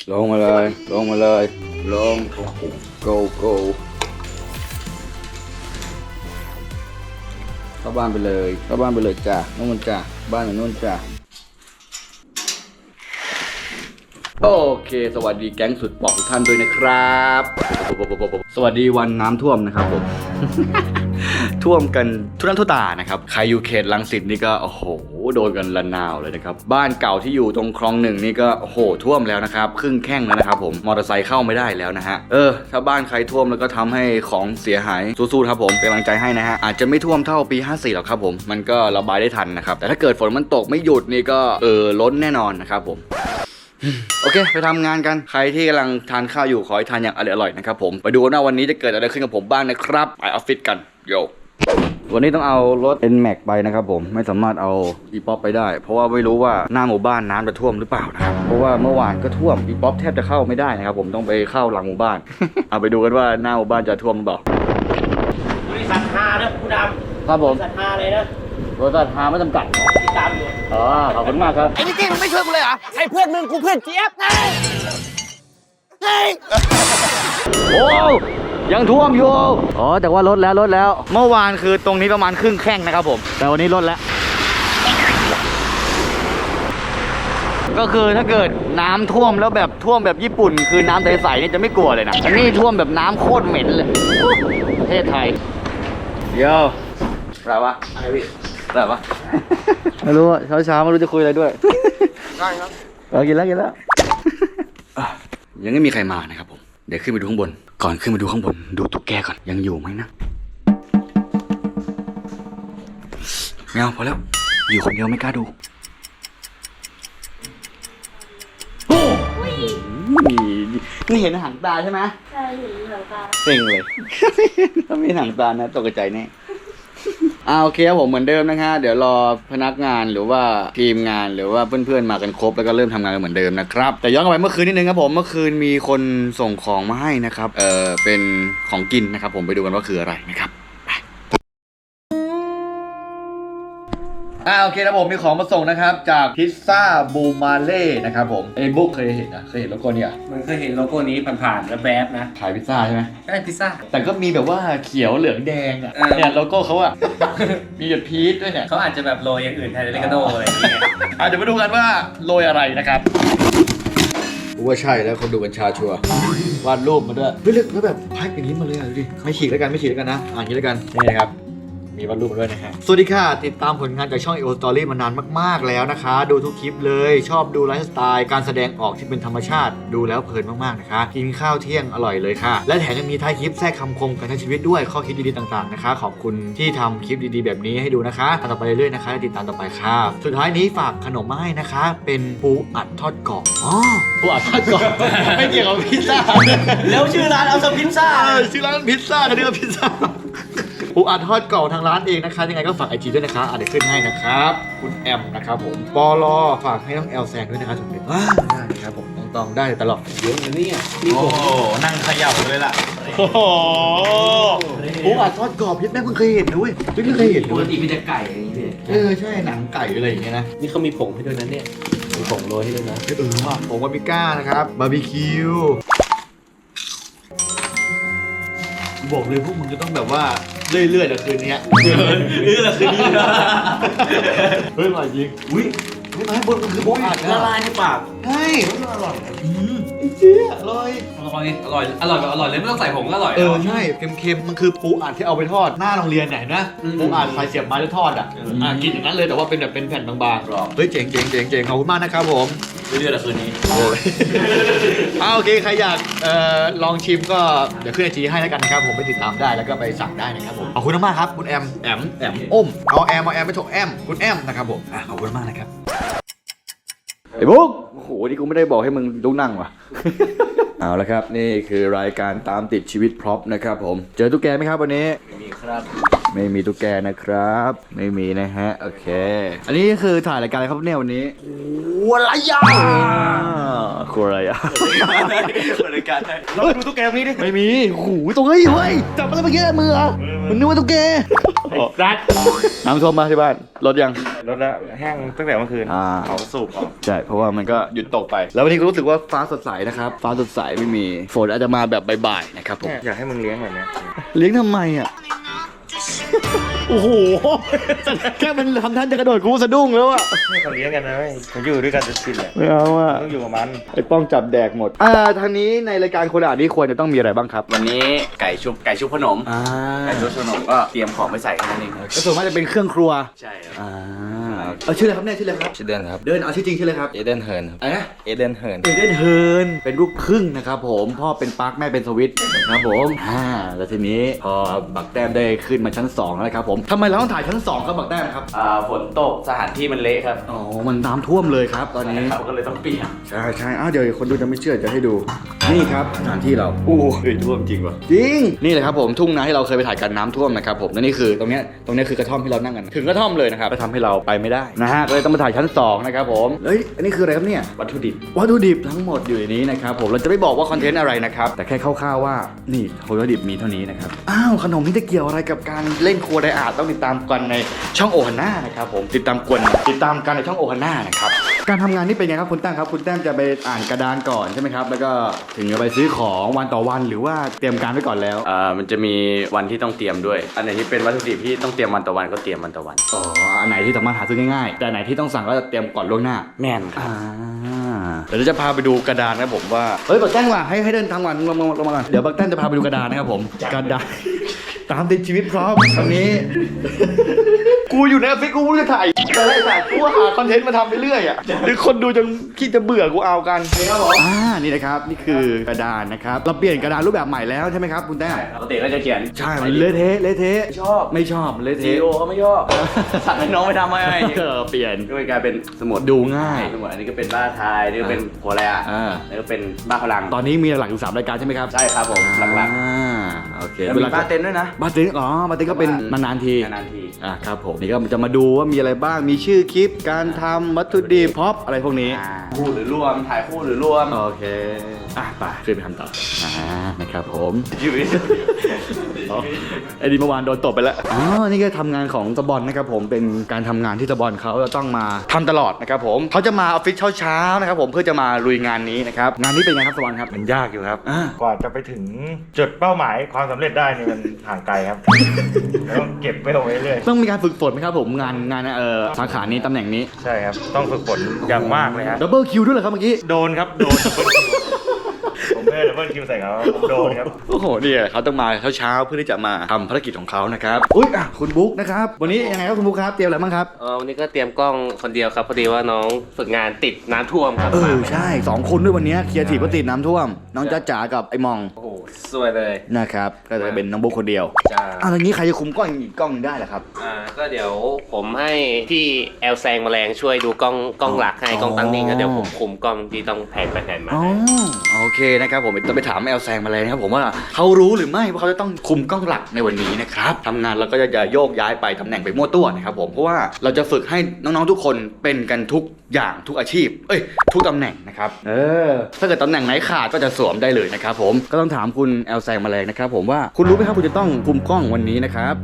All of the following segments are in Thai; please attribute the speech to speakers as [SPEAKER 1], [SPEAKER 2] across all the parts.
[SPEAKER 1] ลงมาเลยลงมาเลยลง go go เข้าบ้านไปเลยเข้าบ้านไปเลยจ้ะนู่นจ้ะบ้านอยู่นู่นจ้ะโอเคสวัสดีแก๊งสุดปอกทุกท่านด้วยนะครับสวัสดีวันน้ำท่วมนะครับผม ท่วมกันทุกท่านทุกตานะครับใครอยู่เขตรังสิตนี่ก็โอ้โหโดนกันระนาวเลยนะครับบ้านเก่าที่อยู่ตรงคลองหนึ่งนี่ก็โอ้โหท่วมแล้วนะครับครึ่งแข้งแล้วนะครับผมมอเตอร์ไซค์เข้าไม่ได้แล้วนะฮะถ้าบ้านใครท่วมแล้วก็ทำให้ของเสียหายสู้ๆครับผมเป็นกำลังใจให้นะฮะอาจจะไม่ท่วมเท่าปี54หรอกครับผมมันก็ระบายได้ทันนะครับแต่ถ้าเกิดฝนมันตกไม่หยุดนี่ก็ล้นแน่นอนนะครับผมโอเคไปทำงานกันใครที่กำลังทานข้าวอยู่ขอให้ทานอย่างอร่อยๆนะครับผมไปดูว่าวันนี้จะเกิดอะไรขึ้นกับผมบ้างนะครับไปออฟฟิศกันโยวันนี้ต้องเอารถ N-Max ไปนะครับผมไม่สามารถเอา E-Pop ไปได้เพราะว่าไม่รู้ว่าหน้าหมู่บ้านน้ำจะท่วมหรือเปล่านะครับเพราะว่าเมื่อวานก็ท่วม E-Pop แทบจะเข้าไม่ได้นะครับผมต้องไปเข้าหลังหมู่บ้าน เอาไปดูกันว่าหน้าหมู่บ้านจะท่วมหรือเปล่า
[SPEAKER 2] บริษัทฮานะผู้ดำ
[SPEAKER 1] ครับผม
[SPEAKER 2] บริษัทฮาเลยนะ
[SPEAKER 1] บริษัทฮาไม่จำกัด
[SPEAKER 2] ติดตามอยู่
[SPEAKER 1] ขอบคุณมากครับ
[SPEAKER 2] ไอ้นี่เก้มึงไม่ช่วยกูเลยเหรอไอ้เพื่อนมึงกูเพื่อนเจี๊ยบไง
[SPEAKER 1] โอ้ยังท่วมอยู่แต่ว่าลดแล้วเมื่อวานคือตรงนี้ประมาณครึ่งแข้งนะครับผมแต่วันนี้ลดแล้วก็คือถ้าเกิดน้ำท่วมแล้วแบบท่วมแบบญี่ปุ่นคือน้ำใสๆนี่จะไม่กลัวเลยนะอันนี้ท่วมแบบน้ำโคตรเหม็นเลยประเทศไทยเดี๋ยวอะไรวะอะไรพี่อะไรวะไม่รู้เช้าไม่รู้จะคุยอะไรด้วย
[SPEAKER 2] ได้ครับ
[SPEAKER 1] กินแล้วยังไม่มีใครมานะครับผมเดี๋ยวขึ้นไปดูข้างบนก่อนขึ้นมาดูข้างบนดูตุ๊กแกก่อนยังอยู่ไหมนะไม่เอาพอแล้วอยู่คนเดียวไม่กล้าดูนี่เห็นหางตาใช่ไหม
[SPEAKER 3] ใช่เห็นหางตา
[SPEAKER 1] เซ็งเลยถ้าไม่หางตานะตกใจแน่โอเคครับผมเหมือนเดิมนะฮะเดี๋ยวรอพนักงานหรือว่าทีมงานหรือว่าเพื่อนๆมากันครบแล้วก็เริ่มทำงานกันเหมือนเดิมนะครับแต่ย้อนกลับไปเมื่อคืนนิดนึงครับผมเมื่อคืนมีคนส่งของมาให้นะครับเป็นของกินนะครับผมไปดูกันว่าคืออะไรนะครับโอเคนะผมมีของมาส่งนะครับจากพิซซ่าบูมาเล่นะครับผมบุ๊กเคยเห็นโลโก้เนี่ย
[SPEAKER 2] มันเคยเห็นโลโก้นี้ผ่านๆแล้วแบบนะ
[SPEAKER 1] ขายพิซซ่าใช่ไหม
[SPEAKER 2] ใช่พิซซ่า
[SPEAKER 1] แต่ก็มีแบบว่าเขียวเหลืองแดงเนี่ยโลโก้เขามีหยดพีชด้วยเนี่ย
[SPEAKER 2] เขาอาจจะแบบโรยอย่างอื่นแทนเลกาโดอะไรอย่างเงี้ย
[SPEAKER 1] เดี๋ยวมาดูกันว่าโรยอะไรนะครับว่าใช่แล้วคนดูกัญชาชัวร์วาดรูปมาด้วยเฮ้ยแล้วแบบแพ็คอย่างนี้มาเลยดูดิไม่ฉีกแล้วกันนะอย่างนี้แล้วกันนี่นะครับมีวาดรูปมาด้วยนะฮะสวัสดีค่ะติดตามผลงานจากช่อง EO Story มานานมากๆแล้วนะคะดูทุกคลิปเลยชอบดูไลฟ์สไตล์การแสดงออกที่เป็นธรรมชาติดูแล้วเพลินมากๆนะคะกินข้าวเที่ยงอร่อยเลยค่ะและแถมยังมีท้ายคลิปแทรกคำคมการใช้ชีวิตด้วยข้อคิดดีๆต่างๆนะคะขอบคุณที่ทำคลิปดีๆแบบนี้ให้ดูนะคะต่อไปเรื่อยๆนะคะติดตามต่อไปค่ะสุดท้ายนี้ฝากขนมมาให้นะคะเป็นปูอัดทอดกรอบปูอัดทอดกรอบไม่เกี่ยวกับพิซซ่า
[SPEAKER 2] แล้วชื่อร้านเอาซะพิซซ่า
[SPEAKER 1] ชื่อร้านพิซซ่ากันนี่ก็พิซซ่าปูอัดทอดกรอบทางร้านเองนะคะยังไงก็ฝากไอจีด้วยนะคะเดี๋ยวขึ้นให้นะครับคุณแอมนะครับผมปอลอฝากให้น้องแอลแซงด้วยนะครับถูกไหมได้ครับผมต้องได้ตลอด
[SPEAKER 2] เยอะนะเนี่ยมีผมนั่งเขย่าเลยล่ะ
[SPEAKER 1] ปูอัดทอดกรอบพี่แม่เพิ่งเคยเห็นด้วยเพิ่งเคยเห็น
[SPEAKER 2] ปกติมีแต่ไก่อย่างนี้
[SPEAKER 1] ใช่หนังไก่อะไรอย่างเงี้ยนะ
[SPEAKER 2] นี่เขามีผงให้ด้วยนะเนี่ยมีผงโรยให้ด้วยนะ
[SPEAKER 1] ว่าผงบาร์บีก้านะครับบาร์บีคิวบอกเลยพวกมึงจะต้องแบบว่าเรื่อยๆแต่คืนนี้
[SPEAKER 2] ละคืนนี้
[SPEAKER 1] เฮ้ยอร่อยจริงอุ้ยไม่บนมันคือโบอัด
[SPEAKER 2] ละลายในปาก
[SPEAKER 1] ใช่มันอร่อยเจี๊ยอร่อย
[SPEAKER 2] เลยไม่ต้องใส่ผงก็อร่อย
[SPEAKER 1] ใช่เค็มๆมันคือปูอัดที่เอาไปทอดหน้าโรงเรียนไหนนะปูอัดใส่เสียบไม้แล้วทอดกินอย่างนั้นเลยแต่ว่าเป็นแบบเป็นแผ่นบางๆเฮ้ยเจ๋งขอบคุณมากนะครับผม
[SPEAKER 2] เรื่อยๆละคืนนี้
[SPEAKER 1] โอเคใครอยากลองชิมก็เดี๋ยวขึ้นไอจีให้แล้วกันนะครับผมไปติดตามได้แล้วก็ไปสั่งได้นะครับผมขอบคุณมากครับคุณแอมอ้มเอาแอมไม่ถูกแอมคุณแอมนะครับผมขอบคุณมากนะครับไอ้บุ๊กโอ้โหนี่กูไม่ได้บอกให้มึงลุกนั่งว่ะเอาละครับนี่คือรายการตามติดชีวิตพร็อพนะครับผมเจอตุ๊กแกไหมครับวันนี้
[SPEAKER 2] มีครับ
[SPEAKER 1] ไม่มีตุ๊กแกนะครับ ไม่มีนะฮะโอเค อันนี้คือถ่ายรายการอะไรครับเนี่ยวันนี้อะไรอ่ะคืออะไรอ่ะ
[SPEAKER 2] รายการได้
[SPEAKER 3] เราดูตุ๊กแกตรงนี้ดิ
[SPEAKER 1] ไม่มีโอ้โหตัวเฮ้ยเฮ้ยจับอะไรมาเยอะมือเหรอมันนึกว่าตุ๊กแก
[SPEAKER 3] รัด
[SPEAKER 1] น้ำท่วมมาที่บ้านรถยัง
[SPEAKER 3] รถละแห้งตั้งแต่เมื่อคืน
[SPEAKER 1] อ่า
[SPEAKER 3] เอาสูบออก
[SPEAKER 1] ใช่เพราะว่ามันก็หยุดตกไป แล้ววันนี้ก็รู้สึกว่าฟ้าสดใสนะครับฟ้าสดใสไม่มีฝนอาจจะมาแบบบ่ายๆนะครับผม
[SPEAKER 3] อยากให้มึงเลี้ยงแบบเนี้ย
[SPEAKER 1] เลี้ยงทำไมอ่ะ โอ้โห แค่มันทำท่านจะกระโดดกูสะดุ้งแล้วอ่ะ
[SPEAKER 3] ให้เขาเลี้ยงกันนะเว้ยเขาอยู่ด้วยกันจะชินแหละ
[SPEAKER 1] ไม่เอาอ่ะ
[SPEAKER 3] ต้องอยู่กับมัน
[SPEAKER 1] ไอ้ป้องจับแดกหมดทางนี้ในรายการคนอ่านนี่ควรจะต้องมีอะไรบ้างครับ
[SPEAKER 2] วันนี้ไก่ชุบขนม
[SPEAKER 1] อ่า
[SPEAKER 2] ไก่ชุบขนมก็เตรียมของไปใส่แค่นั้นเอง
[SPEAKER 1] ก็ส่วนมากจะเป็นเครื่องครัว
[SPEAKER 2] ใช่ครับ
[SPEAKER 1] ชื่ออะไรครับเนี่ยชื่ออะไรครับ
[SPEAKER 3] ชื่อเดนครับ
[SPEAKER 1] เดินเอาชื่อจริงชื่ออะไรครับ
[SPEAKER 3] เอเดนเฮิร์นครับ
[SPEAKER 1] อะไรนะ
[SPEAKER 3] เอเดนเฮิร์น
[SPEAKER 1] เอเดนเฮิร์นเป็นลูกครึ่งนะครับผมพ่อเป็นปาร์คแม่เป็นสวิตนะครับผมแล้วทีนี้พอบักแต้มได้ขึ้นมาชั้น2แล้วนะครับผมทำไมเราต้องถ่ายชั้น2ครับบักแต้มครับ
[SPEAKER 2] ฝนตกสถานที่มันเละครับ
[SPEAKER 1] อ๋อมันน้ำท่วมเลยครับตอนนี้
[SPEAKER 2] เขาก็เลยต้องเปลี่ยน
[SPEAKER 1] ใช่เดี๋ยวคนดูจะไม่เชื่อจะให้ดู นี่ครับสถานที่เราโอ้ยท่วมจริงว่ะจริงนี่แหละครับผมทุ่งนาที่เราเคยไปถ่ายกันน้ำท่วมนะครับผมและนี่คือตรงเนี้ยคือกระท่อมที่เรานั่งกันถึงกระท่อมเลยนะครับก็ทำให้เราไปไม่ได้นะฮะก็เลยต้องมาถ่ายชั้น2นะครับผมเอ้ยอันนี้คืออะไรครับเนี่ย
[SPEAKER 2] วัตถุดิบ
[SPEAKER 1] วัตถุดิบทั้งหมดอยู่ในนี้นะครับผมเราจะไม่บอกว่าคอนเทนต์อะไรนะครับแต่แค่คร่าวๆว่านี่วัตถุดิบมีเท่านี้นะครับอ้าวขนมนี่จะเกี่ยวอะไรกับการเล่นครัวไดอาร์ตต้องติดตามกันในช่องโอฮาน่านะครับผมติดตามกันในช่องโอฮาน่านะครับการทำงานนี่เป็นไงครับคุณแต้มครับคุณแต้มจะไปอ่านกระดานก่อนใช่ไหมครับแล้วก็ถึงจะไปซื้อของวันต่อวันหรือว่าเตรียมการไว้ก่อนแล้ว
[SPEAKER 2] มันจะมีวันที่ต้องเตรียมด้วย อันไหนที่เป็นวัตถุดิบที่ต้องเตรียมวันต่อวันก็เตรียมวันต่อวัน
[SPEAKER 1] อ๋ออันไหนที่สามารถหาซื้อง่ายๆแต่อันไหนที่ต้องสั่งก็จะเตรียมก่อนล่วงหน้า
[SPEAKER 2] แม่นครับ
[SPEAKER 1] เดี๋ยวเราจะพาไปดูกระดานนะครับผมว่าเฮ้ยบักแต้นว่ะให้เดินทางวันลงมาก่อนเดี๋ยวบักแต้นจะพาไปดูกระดานนะครับผมกระดานตามติดชีวิตพร้อมตอนนี้ กูอยู่ในออฟฟิศกูไม่รู้จะถ่ายอะไรถ่ายกูหาคอนเทนต์มาทำไปเรื่อยอ่ะหรือคนดูจนคิดจะเบื่อกูเอากันครับผมนี่นะครับนี่คือกระดานนะครับเราเปลี่ยนกระดานรูปแบบใหม่แล้วใช่ไหมครับคุณแต้ม
[SPEAKER 2] ปกติก็จะเขียน
[SPEAKER 1] ใช่มันเละเทะ
[SPEAKER 2] ชอบ
[SPEAKER 1] ไม่ชอบมันเละ
[SPEAKER 2] ซี
[SPEAKER 1] เทะ
[SPEAKER 2] โอเขาไม่ชอบสั่งให้น้องไปทำให้
[SPEAKER 1] เปลี่ยน
[SPEAKER 2] ก็เลยกลายเป็นสมุด
[SPEAKER 1] ดูง่าย
[SPEAKER 2] สมุดอันนี้ก็เป็นบ้าไทยนี่ก็เป็นหัวแร่
[SPEAKER 1] อ่า
[SPEAKER 2] นี่ก็เป็นบ้าพลัง
[SPEAKER 1] ตอนนี้มีหลักอยู่3รายการใช่ไหมครับ
[SPEAKER 2] ใช่ครับผมหลัก
[SPEAKER 1] โอเค
[SPEAKER 2] ๆแล้วมีบ้าเต็นด้วยนะ
[SPEAKER 1] บาร์เทนบาร์เทนก็เป็นนานๆที
[SPEAKER 2] นานๆที
[SPEAKER 1] ครับผมนี่ก็จะมาดูว่ามีอะไรบ้างมีชื่อคลิปการทำวัตถุดิบพ็อปอะไรพวกนี้
[SPEAKER 2] คู่หรือรวมถ่ายคู่หรือรวม
[SPEAKER 1] โอเคไปขึ้นไปทำต่อนะครับผม
[SPEAKER 2] ชีวิต
[SPEAKER 1] ไอ้ดีเมื่อวานโดนตบไปแล้วนี่ก็ทำงานของสบอนนะครับผมเป็นการทำงานที่สบอนเขาจะต้องมาทำตลอดนะครับผมเขาจะมาออฟฟิศเช้าๆนะครับผมเพื่อจะมาลุยงานนี้นะครับงานนี้เป็นไงครับสบอนครับ
[SPEAKER 3] มันยากอยู่ครับ
[SPEAKER 1] อ่า
[SPEAKER 3] กว่าจะไปถึงจุดเป้าหมายความสำเร็จได้นี่มันห่างไกลครับแล้วต้องเก็บไว้เอาไว้เรื่อย
[SPEAKER 1] ต้องมีการฝึกฝนไหมครับผมงานสาขานี้ตำแหน่งนี้
[SPEAKER 3] ใช่ครับ ต้องฝึกฝนอย่างมากเลยฮะ
[SPEAKER 1] ดับเบิลคิวด้วยเหรอครับเมื่อกี้
[SPEAKER 3] โดนครับ โดน ผมไม่ได้ดับเบิลคิวใส่เขาผมโดนครับ
[SPEAKER 1] โอ้โหเนี่ยเขาต้องมาเช้าๆเพื่อที่จะมาทำภารกิจของเขานะครับอุ๊ยคุณบุ๊กนะครับวันนี้ยังไงครับคุณบุ๊กครับเตรียมอะไรบ้างครับ
[SPEAKER 4] วันนี้ก็เตรียมกล้องคนเดียวครับพอดีว่าน้องฝึกงานติดน้ำท่วมครับมาไม่ได้
[SPEAKER 1] ใช่2คนด้วยวันนี้เคลียร์ทีก็ติดน้ำท่วมน้องจ๊ะจ๋ากับไอ้มอง
[SPEAKER 4] โอ้โหสวยเลย
[SPEAKER 1] นะครับก็จะเป็นน้องบุ๊กคนเดียว
[SPEAKER 4] จ้า
[SPEAKER 1] อย่างนี้ใครจะคุมกล้องอีกกล้องได้ล่ะครับ
[SPEAKER 4] ก็เดี๋ยวผมให้พี่แอลแซงแมลงช่วยดูกล้องหลักให้กล้องตั้งนิ่งก็เดี๋ยวผมคุมกล้องที่ต้องแผนไปแผนมา
[SPEAKER 1] อ๋อโอเคนะครับผมต้องไปถามแอลแซงมาเลยนะครับผมว่าเขารู้หรือไม่ว่าเขาจะต้องคุมกล้องหลักในวันนี้นะครับทำงานเราก็จะโยกย้ายไปตำแหน่งไปมั่วตัวนะครับผมเพราะว่าเราจะฝึกให้น้องๆทุกคนเป็นกันทุกอย่างทุกอาชีพทุกตำแหน่งนะครับถ้าเกิดตำแหน่งไหนขาดก็จะสวมได้เลยนะครับผมก็ต้องถามคุณแอลแซงมาเลยนะครับผมว่าคุณรู้ไหมครับคุณจะต้องคุมกล้องวันนี้นะครับ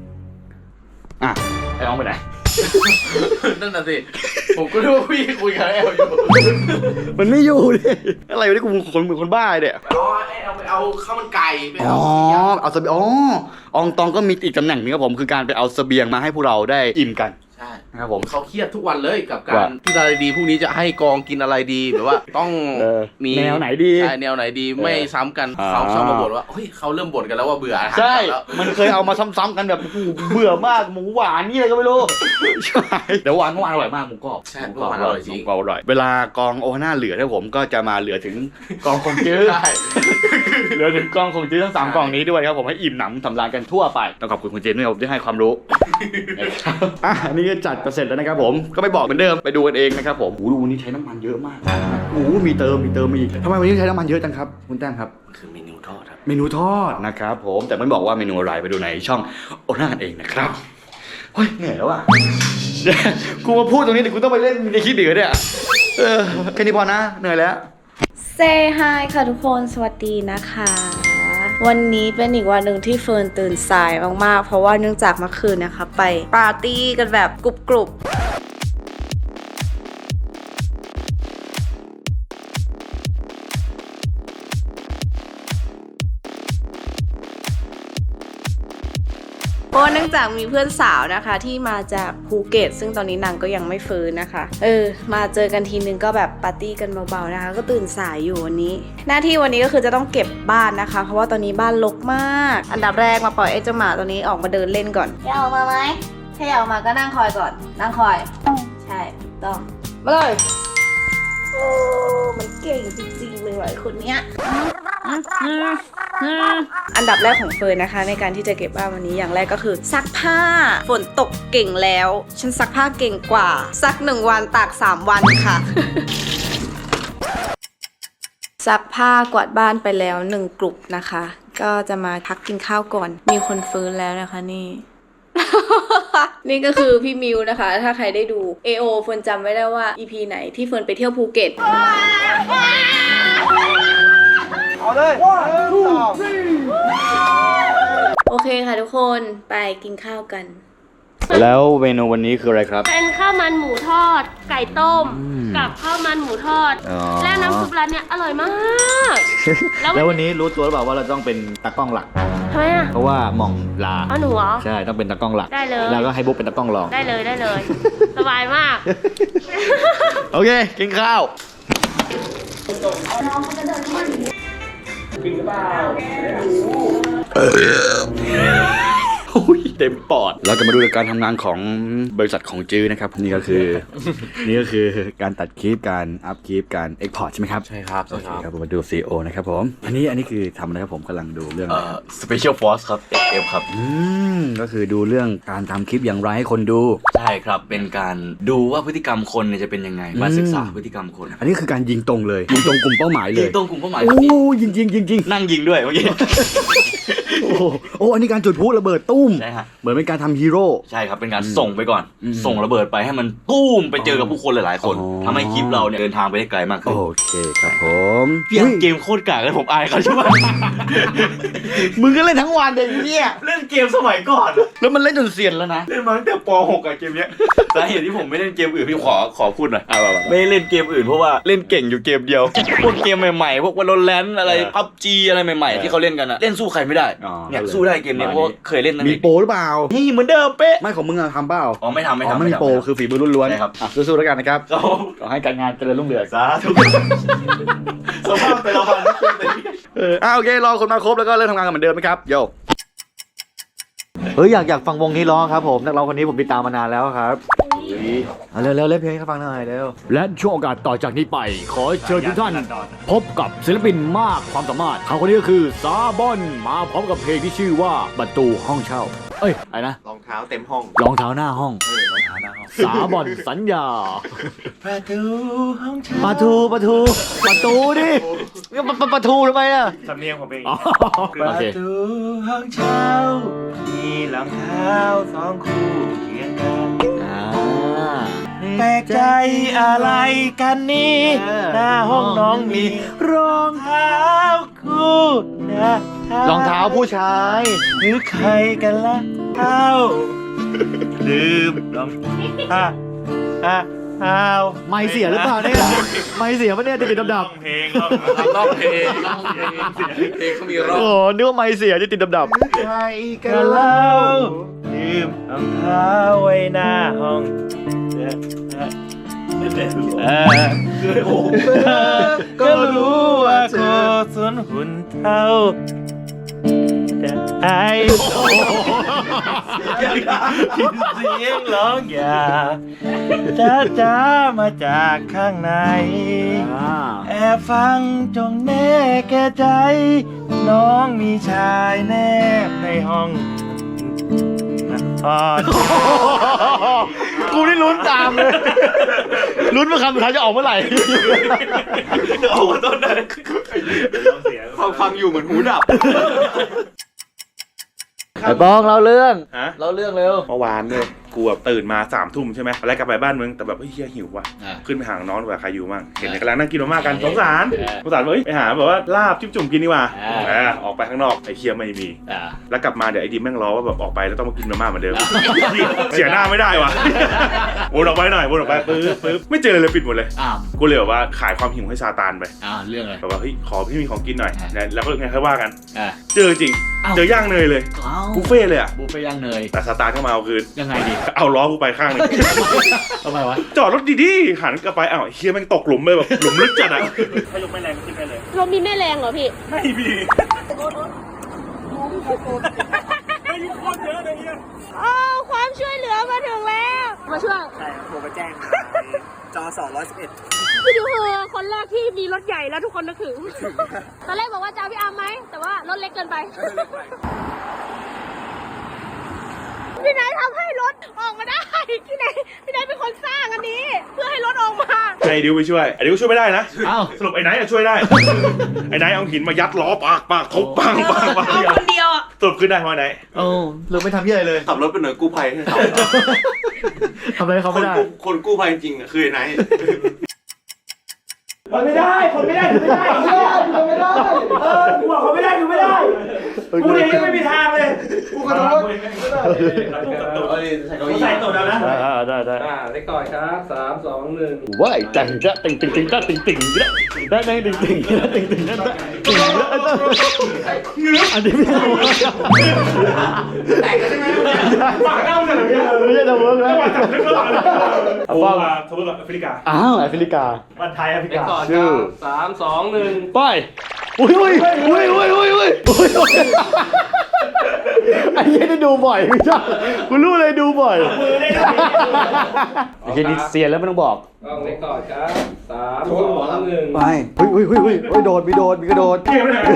[SPEAKER 1] ไอ้น้องไปไหน
[SPEAKER 2] นั่นน่ะสิ ผมก็รู้ว่าพี่คุยกับแอลอยู่
[SPEAKER 1] มันไม่อยู่ดิอะไรวะนี่กูคนบ้าเนี่ย
[SPEAKER 2] เอาไปเอาข้าวมันไก่ไป
[SPEAKER 1] อ๋
[SPEAKER 2] เอา
[SPEAKER 1] อเอาเสบียงอองตองก็มีอีกตำแหน่งนึงครับผมคือการไปเอาเสบียงมาให้พวกเราได้อิ่มกัน
[SPEAKER 5] ใช่
[SPEAKER 1] นะครับผม
[SPEAKER 5] เขาเครียดทุกวันเลยกับกา
[SPEAKER 1] ว่า
[SPEAKER 5] รที่อะไรดีพรุ่งนี้จะให้กองกินอะไรดีแบบว่าต้องมี
[SPEAKER 1] แนวไหนดี
[SPEAKER 5] ใช่แนวไหนดีไม่ซ้ำกัน
[SPEAKER 1] อ่า
[SPEAKER 5] เขาชอบมาบ่นว่าเฮ้ยเขาเริ่มบ่นกันแล้วว่าเบื่ออาหาร
[SPEAKER 1] ใช่
[SPEAKER 5] แล้ว
[SPEAKER 1] มันเคยเอามาซ้ำๆกันแบบโอ้โหเบื่อมากหมูหวานนี่อะไรก็ไม่รู้ใช่แต่หวานเมื่อวานอร่อยมากหมูกรอบ
[SPEAKER 5] ใช่เมื่อวานอร่อยจริง
[SPEAKER 1] หมูกรอบอร่อยเวลากองโอฮาน่าเหลือเนี่ยผมก็จะมาเหลือถึงกองคงจื้อ
[SPEAKER 5] ใช่
[SPEAKER 1] เหลือถึงกองคงจื้อทั้ง3กองนี้ด้วยครับผมให้อิ่มหนำสำราญกันทั่วไปต้องขอบคุณคุณเจนด้วยครับที่ให้ความรู้นะครับอันนี้ก็จัดจะเสร็จแล้วนะครับผมก็ไม่บอกเหมือนเดิมไปดูกันเองนะครับผมดูวันนี้ใช้น้ำมันเยอะมากมีเติมมาอีกทำไมวันนี้ใช้น้ำมันเยอะจังครับคุณแต้มครับ
[SPEAKER 2] คือเมนูทอดครับ
[SPEAKER 1] เมนูทอดนะครับผมแต่ไม่บอกว่าเมนูอะไรไปดูในช่องโอน่ากันเองนะครับเฮ้ยเหนื่อยแล้วอ่ะ กูมาพูดตรงนี้แต่กูต้องไปเล่นในคลิปอีกเนี่ยแค่นี้พอนะเหนื่อยแล้ว
[SPEAKER 6] Say hi ค่ะทุกคนสวัสดีนะคะ วันนี้เป็นอีกวันหนึ่งที่เฟิร์นตื่นสายมากๆเพราะว่าเนื่องจากเมื่อคืนนะคะไปปาร์ตี้กันแบบกรุบเพราะเนื่องจากมีเพื่อนสาวนะคะที่มาจากภูเก็ตซึ่งตอนนี้นางก็ยังไม่ฟื้นนะคะมาเจอกันทีนึงก็แบบปาร์ตี้กันเบาๆนะคะก็ตื่นสายอยู่วันนี้หน้าที่วันนี้ก็คือจะต้องเก็บบ้านนะคะเพราะว่าตอนนี้บ้านรกมากอันดับแรกมาปล่อยไอ้เจ้าหมาตัวนี้ออกมาเดินเล่นก่อนอยากออกมาไหมถ้าอยากออกมาก็นั่งคอยก่อนนั่งคอยใช่ถูกต้องมาเลยโอ้มันเก่งจริงๆเลยว่ะไอ้คนเนี้ยอันดับแรกของเฟิร์นนะคะในการที่จะเก็บบ้านวันนี้อย่างแรกก็คือซักผ้าฝนตกเก่งแล้วฉันซักผ้าเก่งกว่าซัก1 วันตาก3 วันค่ะ ซักผ้ากวาดบ้านไปแล้ว1 กลุ่มนะคะก็จะมาพักกินข้าวก่อนมีคนฟื้นแล้วนะคะนี่ นี่ก็คือพี่มิวนะคะถ้าใครได้ดู AO เฟิร์นจำไว้ได้ว่า EP ไหนที่เฟิร์นไปเที่ยวภูเก็ตโอเคค่ะทุกคนไปกินข้าวกัน
[SPEAKER 1] แล้วเมนูวันนี้คืออะไรครับ
[SPEAKER 7] เป็นข้าวมันหมูทอด ไก่ต้มกับข้าวมันหมูทอด และน้ำซุปร้านเนี้ยอร่อยมาก
[SPEAKER 1] แล้ววันนี้รู้ตัวหรือเปล่าว่าเราต้องเป็นตากล้องหลัก
[SPEAKER 7] ทำไมอ่ะ
[SPEAKER 1] เพราะว่าหม่องลา
[SPEAKER 7] เอาหนูเหรอ
[SPEAKER 1] ใช่ต้องเป็นตากล้องหลัก
[SPEAKER 7] ได้เลย
[SPEAKER 1] แล้วก็ให้บุ๊กเป็นตากล้องรอง
[SPEAKER 7] ได้เลย สบายมาก
[SPEAKER 1] โอเคกินข้าวเต็มปอดเราจะมาดูการทำงานของบริษัทของจื้อนะครับนี่ก็คือ การตัดคลิปการอัพคลิปการเอ็กพอร์ตใช่ไหมครับ
[SPEAKER 2] ใช่ครับ
[SPEAKER 1] โอเคครับผมมาดู CEO นะครับผมอันนี้คือทำอะไรครับผมกำลังดูเรื่องอะไรครับ
[SPEAKER 2] Special Force ครับ FF ครับ
[SPEAKER 1] ก็คือดูเรื่องการทำคลิปอย่างไรให้คนดู
[SPEAKER 2] ใช่ครับ เป็นการดูว่าพฤติกรรมคนเนี่ยจะเป็นยังไง มาศึกษาพฤติกรรมคน
[SPEAKER 1] อันนี้คือการยิงตรงเลยยิงตรงกลุ่มเป้าหมายเลย
[SPEAKER 2] ยิงตรงกลุ่มเป้าหมาย
[SPEAKER 1] โอ้ยิง
[SPEAKER 2] นั่งยิงด้วยเมื่อกี้
[SPEAKER 1] โอ้อันนี้การจุดพลุระเบิดตุ้ม
[SPEAKER 2] ใช่ฮะ
[SPEAKER 1] เหมือนเป็นการทำฮีโร่
[SPEAKER 2] ใช่ครับ เป็นการส่งไปก่อน ส่งระเบิดไปให้มันตุ้มไปเจอกับผู้คนหลายๆคน
[SPEAKER 1] อ๋อ
[SPEAKER 2] ทำให้คลิปเราเนี่ยเดินทางไปได้ไกลมากขึ้น
[SPEAKER 1] โอเคครับผม
[SPEAKER 2] เพียงเกมโคตรกากเลยผมอายเขาใช่ไหม
[SPEAKER 1] มึงก็เล่นทั้งวันเด็กเนี่ย
[SPEAKER 2] เล่นเกมสมัยก่อน
[SPEAKER 1] แล้วมันเล่นจนเซียนแล้วนะ
[SPEAKER 2] เล่นมาตั้งแต่ป .6 อะเกมเนี้ยสาเหตุที่ผมไม่เล่นเกมอื่นพี่ขอพูดหน่อยไม่เล่นเกมอื่นเพราะว่าเล่นเก่งอยู่เกมเดียว พวกเกมใหม่ๆพวก Valorant อะไร PUBG อะไรใหม่ๆที่เขาเล่นกันอะเล่นสู้ใครไม่ได้
[SPEAKER 1] อ๋อ
[SPEAKER 2] เนี่ยสู้ได้เกมเนี้ยเพราะว่าเคยเล่นนั่น
[SPEAKER 1] มี
[SPEAKER 2] เอง
[SPEAKER 1] โปรหรือเปล่า
[SPEAKER 2] นี่เหมือนเดิมเป๊ะ
[SPEAKER 1] ไม่ของมึงอะทำเปล่า
[SPEAKER 2] อ๋อไม่ทำ
[SPEAKER 1] ไม่มีโปรคือฝีมือล้วน
[SPEAKER 2] ใช่ครับ
[SPEAKER 1] สู้ๆแล้วกันนะครับ
[SPEAKER 2] ครับผม
[SPEAKER 1] ขอให้การงานเจริญรุ่งเรือง
[SPEAKER 2] สาธุสภาพแต่ละวัน
[SPEAKER 1] โอเครอคนมาครบแล้วก็เริ่มทำงานกันเหมือนเดิมไหมครับโย
[SPEAKER 3] อยากฟังวงนี้ร้องครับผมนักร้องคนนี้ผมติดตามมานานแล้วครับเร็วเล่นเพลงให้เขาฟังหน่อยเร็ว
[SPEAKER 8] และช่วงโอกาสต่อจากนี้ไป ขอเชิญทุกท่าน พบกับศิลปินมากความสามารถเขาคนนี้ก็คือซาบอนมาพร้อมกับเพลงที่ชื่อว่าประตูห้องเช่า อะไรนะ
[SPEAKER 3] รองเท้าเต็มห้อง
[SPEAKER 8] รองเท้าหน้าห้องสาบอนสัญญา
[SPEAKER 3] ประตูห้องเช่า
[SPEAKER 8] ประตูดิประตูทำไมอ่ะ
[SPEAKER 3] สำเนียงผมเอง
[SPEAKER 8] โอเค
[SPEAKER 3] ประตูห้องเช่ามีรองเท้า2 คู่เคียงกันแปลกใจอะไรกันนี่หน้าห้องน้องมีรองเท้าคู่นะ
[SPEAKER 8] รองเท้าผู้ชาย
[SPEAKER 3] หรือใครกันล่ะเท้าลืมรองเท้า
[SPEAKER 8] ไม่เสียหรือเปล่าเนี่ยไม่เสียปะเนี่ยจะติดดับ
[SPEAKER 3] เพลง
[SPEAKER 2] ร้องเพลงเขามีร้อง
[SPEAKER 8] โอ้นึกว่าไม่เสียจะติดดับ
[SPEAKER 3] ใครกันเล่าลืมรองเท้าไว้หน้าห้องก็รู้ว่าโคสนหุ่นเท่าแต่ไอ้เสียงร้องอย่าจ้ามาจากข้างในแอบฟังจงแน่แก่ใจ น้องมีชายแนบในห้อง
[SPEAKER 8] กูนี่ลุ้นตามเลย ลุ้นว่าคำสุดท้ายจะออกเมื่อไหร่
[SPEAKER 2] ออกมาต้นได้ฟังอยู่เหมือนหูดับ
[SPEAKER 8] ไอ้บองเราเรื่อง
[SPEAKER 3] ฮะ
[SPEAKER 8] เราเรื่องเร็ว
[SPEAKER 3] เมื่อวานเนี่ยกูแบบตื่นมา3 ทุ่มใช่ไหมแล้วกลับไปบ้านมึงแต่แบบเฮ้ยเฮียหิวว่ะ
[SPEAKER 8] อ่า
[SPEAKER 3] ขึ้นไปหาน้องดีกว่าใครอยู่มั่งเห็นกำลังนั่งกินมาม่ากันสงสารว่าเอ้ยไปหาแบบว่าลาบจิ้มจุ่มกินดีกว่าออกไปข้างนอกไอ้เคียไม่มี แล้วกลับมาเดี๋ยวไอ้ดิมแม่งล้อว่าแบบออกไปแล้วต้องมากินมาม่าเหมือนเดิม เสียหน้าไม่ได้ว่ะวนออกไปหน่อยวนออกไปปึ๊บไม่เจอเลยปิดหมดเลย
[SPEAKER 8] อ้าว
[SPEAKER 3] กูเลยแบบว่าขายความหิวให้ซาตานไป
[SPEAKER 8] เรื่องอะไร
[SPEAKER 3] แบบว่าเฮ้ยขอพี่มีของกินหน่อยนะแล้วก็ไงค่อยว่ากัน
[SPEAKER 8] อ่า
[SPEAKER 3] เจอจริง เจอย่างเนยเลยบุฟเฟ่เลยอ่ะ
[SPEAKER 8] บุฟเฟ่ย่างเนย
[SPEAKER 3] แต่ซาตานก็มาเอาคืน
[SPEAKER 8] ยังไงดี
[SPEAKER 3] เอาล้อกูไปข้างหนึง
[SPEAKER 8] ทำไมวะ
[SPEAKER 3] จอดรถดีๆหันกลับไปอ้าวเฮียแม่งตกหลุมเลยแบบหลุมลึกจัดอ่ะ
[SPEAKER 7] ลมมีแม่แรงเหรอพี่
[SPEAKER 3] ไม่มี
[SPEAKER 7] อ้าวความช่วยเหลือมาถึงแล้ว มาช่วย
[SPEAKER 9] ใช่ครับโทรไปแจ้งมาจอ211
[SPEAKER 7] พี่ดิวคือคนแรกที่มีรถใหญ่แล้วทุกคนนึกถึง ตอนแรกบอกว่าจะเอาพี่อาร์มไหม แต่ว่ารถเล็กเกินไป พี่นายทำให้รถออกมาได้ พี่นายเป็นคนสร้างอันนี้ เพื่อให้รถออกมา
[SPEAKER 3] ไอ้ดิวไปช่วยไอ้ดิวช่วยไม่ได้นะ
[SPEAKER 8] อ้าว
[SPEAKER 3] สรุปไอ้ไนท์อะช่วยได้ ไอ้ไนท์เอาหินมายัดล้อปากทุบปัง
[SPEAKER 7] เอาคนเดียวอ่ะ
[SPEAKER 3] สรุปขึ้นได้เพราะไอ้ไนท์
[SPEAKER 8] โอ้เราไม่ทำที่อะไรเลย
[SPEAKER 2] ขับรถเป็นหน่วยกู้ภัยให้เขา
[SPEAKER 8] ทำอะไรเขาไม่ได้
[SPEAKER 2] คนกู้ภัยจริงๆคือไอ้ไหน
[SPEAKER 9] คนไม่ได้ถือไม่ได้กูบอกคนไม่ได้ถือไม่ได้กูเองยังไม่มีทางเลยกูขอโทษกูใส่ตัวแล้วนะ
[SPEAKER 8] ได้
[SPEAKER 4] ได้ก่อนครับ3 2 1
[SPEAKER 8] ว้ายจังจะติ่งติ่งติ่งติ่งติ่งได้ได้ติ่งติ่งติ่งติ่งติ่งติ่งอันนี้ไม่ใช่แต่งกันใช่ไหมปากเน่าจังเลยไม่ใช่จะเวิร์กแล้ว
[SPEAKER 3] โอ้มาทวีปแอฟริกา
[SPEAKER 8] อ้าวแอฟริกา
[SPEAKER 3] วันไทยแอฟริกา
[SPEAKER 8] ชื่อ
[SPEAKER 4] 3 2 1
[SPEAKER 8] ไปอุ้ยไอ้เหี้ยได้ดูบ่อยไม่ใช่กูรู้เลยดูบ่อยไอ้เหี้ยนี่เซียนแล้วไม่ต้องบอก
[SPEAKER 4] กล้องเล็กก่อนครับ3 2 1
[SPEAKER 1] ไปเฮ้ยโดดมีกระโดด
[SPEAKER 3] เกมเลย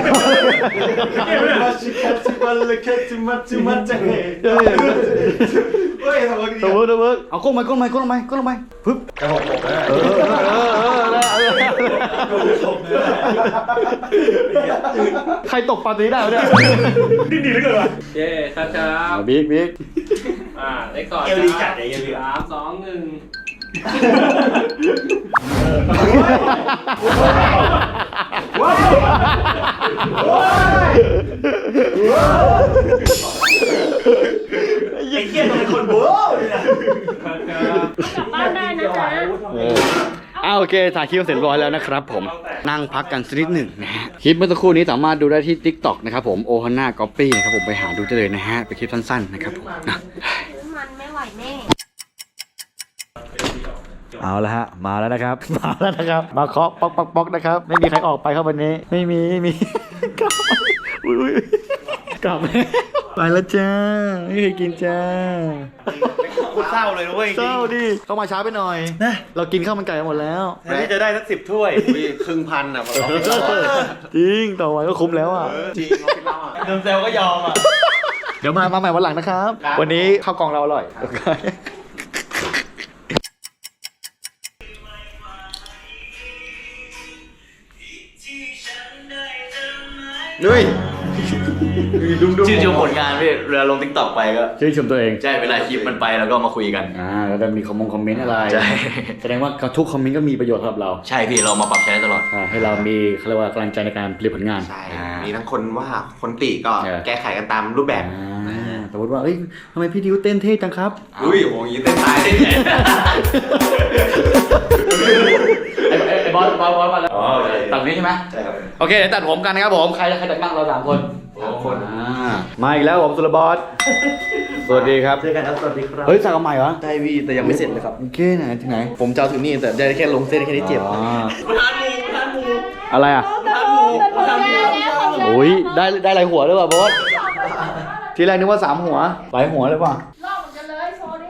[SPEAKER 8] ตะเวิร์กเอาก้มไปปึ๊บใครตกปาตีได้เนี่ย
[SPEAKER 3] ดิ้นดีเหลือเกินว่ะ
[SPEAKER 4] เย้ครับครับ
[SPEAKER 8] บิ๊ก
[SPEAKER 4] เล็กก่อนครับ3 2 1
[SPEAKER 3] ไอ้เหี้ยต้องเป็นคนโบ้เลยนะ
[SPEAKER 7] กลับบ้านได้นะจ๊ะ
[SPEAKER 1] โอเคถ่ายคลิปเสร็จเรียบร้อยแล้วนะครับผมนั่งพักกันสักนิดหนึ่งนะฮะคลิปเมื่อสักครู่นี้สามารถดูได้ที่ TikTok นะครับผมโอฮาน่าก๊อปปี้นะครับผมไปหาดูได้เลยนะฮะเป็นคลิปสั้นๆนะครับผมนะ
[SPEAKER 7] มันไม่ไหวแน่
[SPEAKER 8] เอาละฮะมาแล้วนะครับมาเคาะป๊อกนะครับไม่มีใครออกไปครับวันนี้ไม่มีกลับอุ้ยกลับไปแล้วจ้าไม่เคยกินจ้า
[SPEAKER 3] กูเศร้าเลยนะเว้ย
[SPEAKER 8] เศร้าดิเข้ามาช้าไปหน่อยนะเรากินข้าวมันไก่กันหมดแล้ว
[SPEAKER 3] วันนี้จะได้สัก10 ถ้วย
[SPEAKER 2] 1,000อ่ะ
[SPEAKER 8] จริงต่อวันก็คุ้มแล้วอ่ะ
[SPEAKER 2] จริงเราคิดเราอ่ะ
[SPEAKER 3] เดิมเซลก็ยอมอ่ะ
[SPEAKER 8] เดี๋ยวมาใหม่วันหลังนะครับ วันนี้ข้าวกล่องเราอร่อยโอเค
[SPEAKER 2] นุ้ย
[SPEAKER 1] ชื่นชมผลงานพี่เวลาลง TikTok ไปก็
[SPEAKER 8] ชื่นชมตัวเอง
[SPEAKER 1] ใช่เวลาคลิปมันไปแล้วก็มาคุยกัน
[SPEAKER 8] แล้วจะมีคอมเมนต์อะไร
[SPEAKER 1] ใช่
[SPEAKER 8] แสดงว่าทุกคอมเมนต์ก็มีประโยชน์สำหรับเรา
[SPEAKER 1] ใช่พี่เรามาปรับใช้ได้ตลอด
[SPEAKER 8] ให้เรามีเขาเรียกว่ากำลังใจในการผลิตผลงาน
[SPEAKER 2] ใช่มีทั้งคนว่าคนติก็
[SPEAKER 8] เออ
[SPEAKER 2] แก้ไขกันตามรูปแบบ
[SPEAKER 8] สมมติว่าเอ้ยทำไมพี่ดิวเต้นเท่จังครับ
[SPEAKER 2] อุ้ยโหอยางงี้เต้นตายได้ไง
[SPEAKER 1] ไอ้บอสมาแล้วตัดนี้ใช่ไหม
[SPEAKER 2] ใช่ครับ
[SPEAKER 1] โอเคเดี๋ยวตัดผมกันนะครับผมใครตัดบ้างเรา3 คน
[SPEAKER 2] 3 คน
[SPEAKER 8] มาอีกแล้วผมสุรบอสสวัสดีครับ
[SPEAKER 9] เจอกันครับสวัสดีครับ
[SPEAKER 8] เฮ้ยสั่งเอาใหม่เหรอ
[SPEAKER 9] ได้วีแต่ยังไม่เสร็จเลยครับ
[SPEAKER 8] โอเคไหนที่ไหน
[SPEAKER 9] ผมจะเอาถึงนี่แต่ได้แค่ลงเส้นแค่นี้เจ็บ
[SPEAKER 8] อะไรอ่ะโอ้ยได้หลายหัวเลยว่ะบอสทีแรกนึกว่า3 หัวหลายหัวเลยว่ะ
[SPEAKER 7] ลอกเหมือนกันเลยโชว์ดิ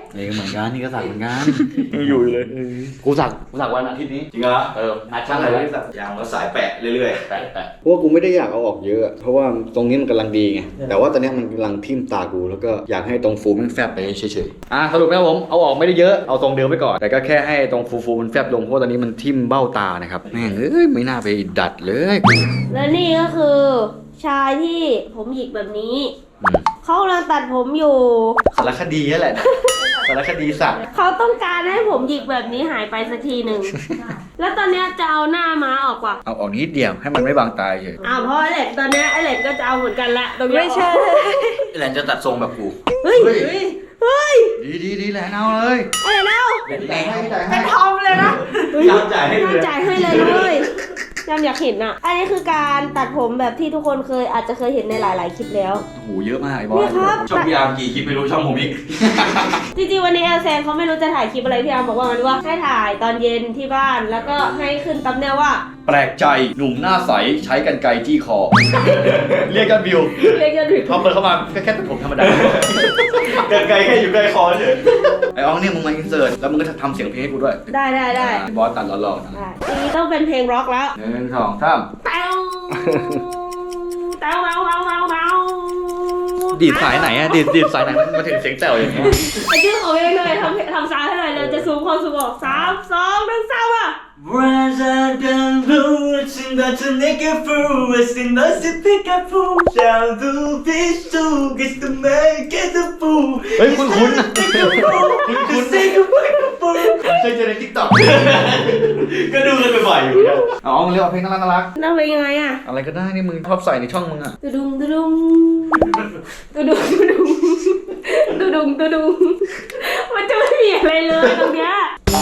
[SPEAKER 1] นี่ก็เหมือนกันนี่ก็สักเหมือนกัน
[SPEAKER 2] อยู่เลย
[SPEAKER 1] กูสักวันอาทิตย์นี้
[SPEAKER 2] จริงเหรอ
[SPEAKER 1] นัดช่างอะไรไว้สัก
[SPEAKER 2] ยางแล้วสายแปะเรื่อย
[SPEAKER 1] แปะเพราะว่ากูไม่ได้อยากเอาออกเยอะ เพราะว่าตรงนี้มันกำลังดีไงแต่ว่าตอนนี้มันกำลังทิ่มตากูแล้วก็อยากให้ตรงฟูมันแฟบไปเฉยๆสรุปนะครับผมเอาออกไม่ได้เยอะเอาทรงเดิมไปก่อนแต่ก็แค่ให้ตรงฟูมันแฟบลงเพราะตอนนี้มันทิ่มเบ้าตานะครับแม่งไม่น่าไปดัดเลย
[SPEAKER 7] และนี่ก็คือชายที่ผมหยิกแบบนี้ เขากำลังตัดผมอยู่
[SPEAKER 1] สารคดีนั่นแหละ สารคดีสัตว์
[SPEAKER 7] เขาต้องการให้ผมหยิกแบบนี้หายไปสักทีหนึ่ง แล้วตอนเนี้ยจะเอาหน้าม้าออกว่ะ
[SPEAKER 1] เอาออกนิดเดียวให้มันไม่บังตาเฉย
[SPEAKER 7] เพราะไอเล็กตอนเนี้ยไอเล็กก็จะเอาเหมือนกันละตรงเนี้ย
[SPEAKER 6] ไม่ใช่
[SPEAKER 1] ไอ้แหลนจะตัดทรงแบบกู
[SPEAKER 7] เฮ้ย เฮ้ย
[SPEAKER 1] ดีแหลนเอาเลย
[SPEAKER 7] อะไรเล่า
[SPEAKER 6] เป็นทอมเลยนะ
[SPEAKER 2] ๆยามจ่ายให้เลย
[SPEAKER 7] จ่ายให้เลยยามอยากเห็นอ่ะ อันนี้คือการตัดผมแบบที่ทุกคนอาจจะเคยเห็นในหลายๆคลิปแล้ว
[SPEAKER 1] โอ้โหเยอะมากไอ้บอ
[SPEAKER 7] นี่
[SPEAKER 1] ส
[SPEAKER 7] ครับ
[SPEAKER 2] ช่องพี่อาร์มกี่คลิปไม่รู้ช่องผมอีก
[SPEAKER 7] จริงๆวันนี้แอลแซงเขาไม่รู้จะถ่ายคลิปอะไรพี่อาร์มบอกว่ามันว่าให้ถ่ายตอนเย็นที่บ้านแล้วก็ให้ขึ้นตั๊มเนลว่า
[SPEAKER 1] แปลกใจหนุ่มหน้าใสใช้กันไกรจี้คอ เรียกกันวิว
[SPEAKER 7] เรียกยอดวิว
[SPEAKER 1] พอเปิดเข้ามาก็แค่ตัดผมธรรมดา
[SPEAKER 2] เกินไกลแค่อยู่ใกล้คอเฉย
[SPEAKER 1] ไอ้อองเนี่ยมึงมาอินเสิร์ตแล้วมึงก็ทำเสียงเพลงให้กูด้วย
[SPEAKER 7] ได้
[SPEAKER 1] ไอ้บอสตัดหล่อๆนะ
[SPEAKER 7] ได้ทีนี้ต้องเป็นเพลงร็อกแล้ว
[SPEAKER 1] 1 2 3
[SPEAKER 7] เต้าเต้าเต้าเต้าเต้าเต้า
[SPEAKER 1] ดีดสายไหนอะดีดสายไหนมันมาถึงเสียงแจ๋วอย่างเงี้ย
[SPEAKER 7] ไอ้ชื่อของเองเลยทำซาวให้หน่อยเลยจะซูมความสูงออก3 2 1 3อ่ะ
[SPEAKER 3] Rather than lose in the to make a fool, it's in the to pick a fool. Shall do this to get to make it a fool.
[SPEAKER 1] เฮ้ยคุ้นๆนะ
[SPEAKER 3] คุณสิคุณfool.
[SPEAKER 1] เคยเจอในทิกตอก
[SPEAKER 2] ก็ดูกันบ่อยๆอยู่เนี่ย
[SPEAKER 1] อ๋อมึงเรียกว่าเพลงน่ารัก
[SPEAKER 7] น่าเป็นยังไงอ่ะ
[SPEAKER 1] อะไรก็ได้นี่มึงชอบใส่ในช่องมึงอะ
[SPEAKER 7] ตุดุงตุดุงตุดุงตุดุงตุดุงตุดุงมันจะไม่มีอะไรเลยตรงเนี้ย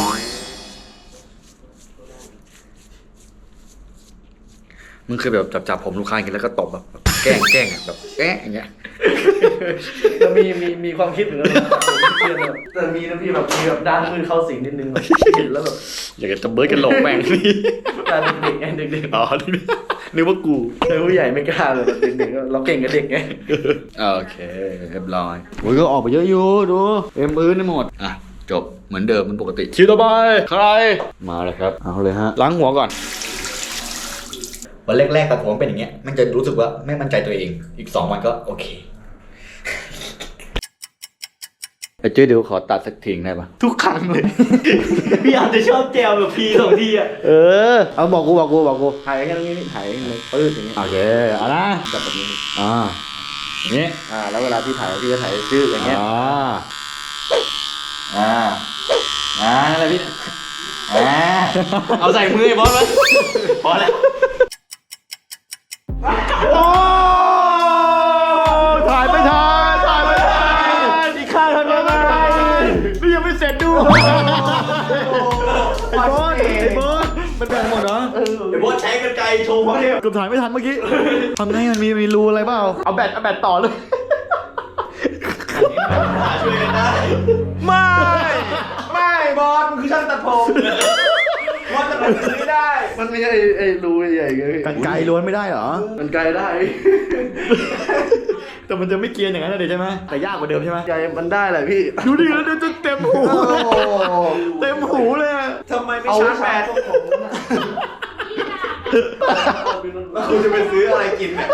[SPEAKER 1] มึงเคยแบบจับผมลูกค้าอย่างเงี้ยแล้วก็ตบแบบแกล้งอะแบบอย่างเงี้ย
[SPEAKER 3] จะมีความคิดเหมือนกันแต่มีนะพี่แบบมีแบบด้านมือเข้าสิงนิดนึงแบบเห็นแล้วแบบ
[SPEAKER 1] อยากจะเบิร์ดกันหลงแม่งนี่
[SPEAKER 3] แต่เด็กๆไงเด็ก
[SPEAKER 1] อ๋อนึกว่ากู
[SPEAKER 3] ๆแต่ผู้ใหญ่ไม่กล้าเลยแบบเด็กๆเราเก่งกับเด็กไง
[SPEAKER 1] โอเคเรียบร้อยโอ้ยก็ออกไปเยอะอยู่ดูเอ็มพื้นได้หมดอ่ะจบเหมือนเดิมเหมือนปกติคิวต่อไปใครมาเลยครับเอาเลยฮะล้างหัวก่อนวันแรกๆตัดผมเป็นอย่างเงี้ยมันจะรู้สึกว่าไม่มั่นใจตัวเองอีก2 วันก็โอเคไอ้เจ้ยเดี๋ยวขอตัดสักทีได้ปะ
[SPEAKER 3] ทุกครั้งเลย พี่อาจจะชอบแจวแบบพี2 ทีอ่ะ
[SPEAKER 1] เอาบอกกู
[SPEAKER 3] ถ่ายแค่ตรงนี้ถ่ายเลยปื้ดอย่างเงี้ย
[SPEAKER 1] โอเคเอานะ
[SPEAKER 3] จับแบบนี้
[SPEAKER 1] นี่
[SPEAKER 3] แล้วเวลาพี่ถ่ายพี่ก็ถ่ายชื่ออย่างเงี้ยอะไรพี่เอาใส่มือไอ้บอสไว้พอแล้ว
[SPEAKER 8] โอ้ถ่ายไม่ทันอีกข้างทำยังไงนี่ยังไม่เสร็จดูไอ้บอสมันแบ่งหมดเหรอ
[SPEAKER 2] ไอ้บอสใช้กันไกลโชว์เขาเนี่ย
[SPEAKER 8] เกือบถ่ายไม่ทันเมื่อกี้ทำไงมันมีรูอะไรเปล่าเอาแบตต่อเลย
[SPEAKER 2] ช่วยกันได้
[SPEAKER 3] ไม่บอสมันคือช่างตัดผมบอสจะตัดผมไม่ได้
[SPEAKER 8] มันไม่ใช่ไอ้รูใหญ่ๆเลยกันไกลล้วนไม่ได้เหรอ
[SPEAKER 3] มันไกลได้
[SPEAKER 8] แต่มันจะไม่เกรียนอย่างนั้นนะเดี๋ยวใช่ไหมแต่ยากกว่าเดิมใช่ไหม
[SPEAKER 3] ใจมันได้แหละพี่
[SPEAKER 8] ดูดิแล้วเดี๋ยวจะเต็มหูเต็มหูเลยอะ
[SPEAKER 3] ทำไมไม่ชาร์จแบตแล้วคุณจะไปซื้ออะไรกินเนี่ย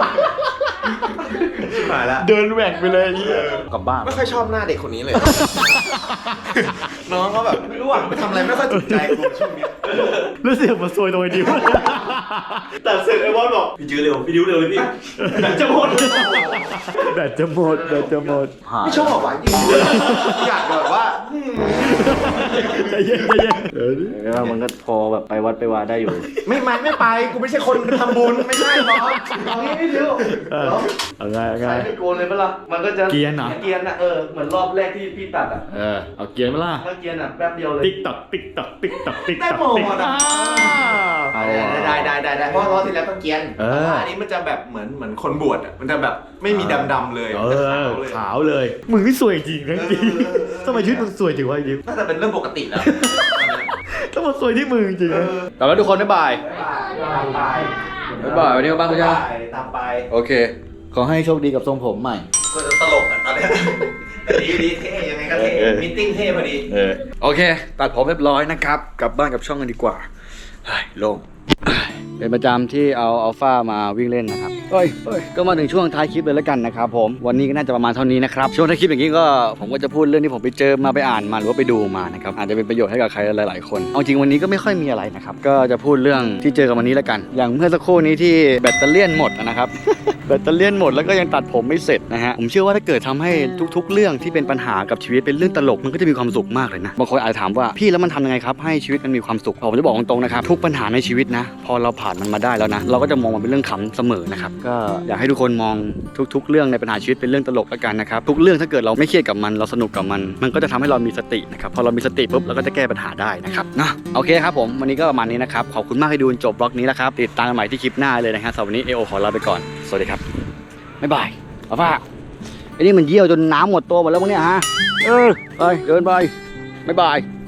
[SPEAKER 3] หายละ
[SPEAKER 8] เดินแหว่งไปเลยกลับบ้าน
[SPEAKER 3] ไม่ค่อยชอบหน้าเด็กคนนี้เลย น้องเขาแบบไม่รู้อ่ะไปทำอะไรไม่ค่อยถูกใจกูช่วงนี้
[SPEAKER 8] แล้วเสียงมาซวยโดยดิว
[SPEAKER 2] ตัดเสร็จไอ้บอสบอกพี่ดิวเร็วเลยพี่จะหมด
[SPEAKER 8] แบตจะหมด
[SPEAKER 3] ไม่ชอบอ่ะจริงอยากแบบว่า
[SPEAKER 8] ใจเย็นมันก็พอแบบไปวัดไปวาได้อยู่
[SPEAKER 3] ไม่ไปกูไม่ใช่คนทำบุญไม่ใช่บอสเอางี้ไม่ดิว
[SPEAKER 8] เอาไง
[SPEAKER 3] ใช้ไม่โกนเลยปะล่ะมันก็จะ
[SPEAKER 8] เกรียนเหรอ
[SPEAKER 3] เกียนอ่ะเหมือนรอบแรกที่พี่ตัดอ่ะ
[SPEAKER 8] เอาเกียร์มาล่ะ
[SPEAKER 3] เมื่อเกียนอ่ะแป๊บเดียวเลย
[SPEAKER 8] ติ๊กตัก
[SPEAKER 3] ได้หมดอ่ะ ได้เพราะรอบที่แล้วต้องเกียนแต่ว่าอันนี้มันจะแบบเหมือนคนบวชอ่ะมันจะแบบไม่มีดำๆเลยมันจะขาวเลย
[SPEAKER 8] ขาวเลยมึงนี่สวยจริงนะจริงทำไมชีวิตมึงสวยจริงวะยิ้ม
[SPEAKER 3] น่าจะเป็นเรื่องปกติแล้ว
[SPEAKER 8] ต้องมาสวยที่มึงจริงนะ
[SPEAKER 1] กลับแล้วทุกคนบ๊ายบาย
[SPEAKER 3] ตามไป
[SPEAKER 1] บ๊ายบายวันนี้กลับบ้านคุณย่า
[SPEAKER 3] ตามไป
[SPEAKER 1] โอเค ขอให้โชคดีกับทรงผมใหม่
[SPEAKER 3] ก็จะตลกอ่ะตอนเนี้ยแต่ดีเท่ยังไงก็มิทติ้งเท่พอดี
[SPEAKER 1] โอเค ตัดผมเรียบร้อยนะครับ กลับบ้านกับช่องกันดีกว่าเฮ้ยโล่งเป็นประจำที่เอาอัลฟามาวิ่งเล่นนะครับเอ้ยก็มาถึงช่วงท้ายคลิปเลยแล้วกันนะครับผมวันนี้ก็น่าจะประมาณเท่านี้นะครับช่วงท้ายคลิปอย่างนี้ก็ผมก็จะพูดเรื่องที่ผมไปเจอมาไปอ่านมาหรือว่าไปดูมานะครับอาจจะเป็นประโยชน์ให้กับใครหลายๆคนเอาจริงวันนี้ก็ไม่ค่อยมีอะไรนะครับก็จะพูดเรื่องที่เจอกันวันนี้แล้วกัน อย่างเมื่อสักครู่นี้ที่แบตเตอรี่หมดนะครับ แบตเตอรี่หมดแล้วก็ยังตัดผมไม่เสร็จนะฮะผมเชื่อว่าถ้าเกิดทำให้ทุกๆ เรื่องที่เป็นปัญหากับชีวิตเป็นเรื่องตลกมันก็จะมีความสุขมากเลยนะบางคนอาจจะถามว่าพี่แล้วมันทำยังไงครับให้ชีวิตมันมีความสุขผมจะบอกตรงๆนะครับทุกปัญหาในชีวิตนะพอเราผ่านมันมาได้แล้วนะเราก็จะมองมันเป็นเรื่องขำเสมอนะครับก็อยากให้ทุกคนมองทุกๆ เรื่องในปัญหาชีวิตเป็นเรื่องตลกแล้วกันนะครับทุกเรื่องถ้าเกิดเราไม่เครียดกับมันเราสนุกกับมันก็จะทำให้เรามีสตินะครับพอเรามีสติปุ๊บเราก็จะแก้ปัญหาได้นะครับนะโอเคครับผมวันนี้ก็ประมาณนี้นะครับขอบคุณมากที่ดูจบบล็อกนี้แล้วครับติดตามกันใหม่ที่คลิปหน้าเลยนะครับสำหรับวันนี้ขอลาไปก่อนสวัสดีครับบ๊ายบายเอาฟ้าไอ้นี่มันเยี่ยวจนน้ำหมดตัวหมดแล้วมั้งเนี่ยฮะไปเดินไปบ๊ายบาย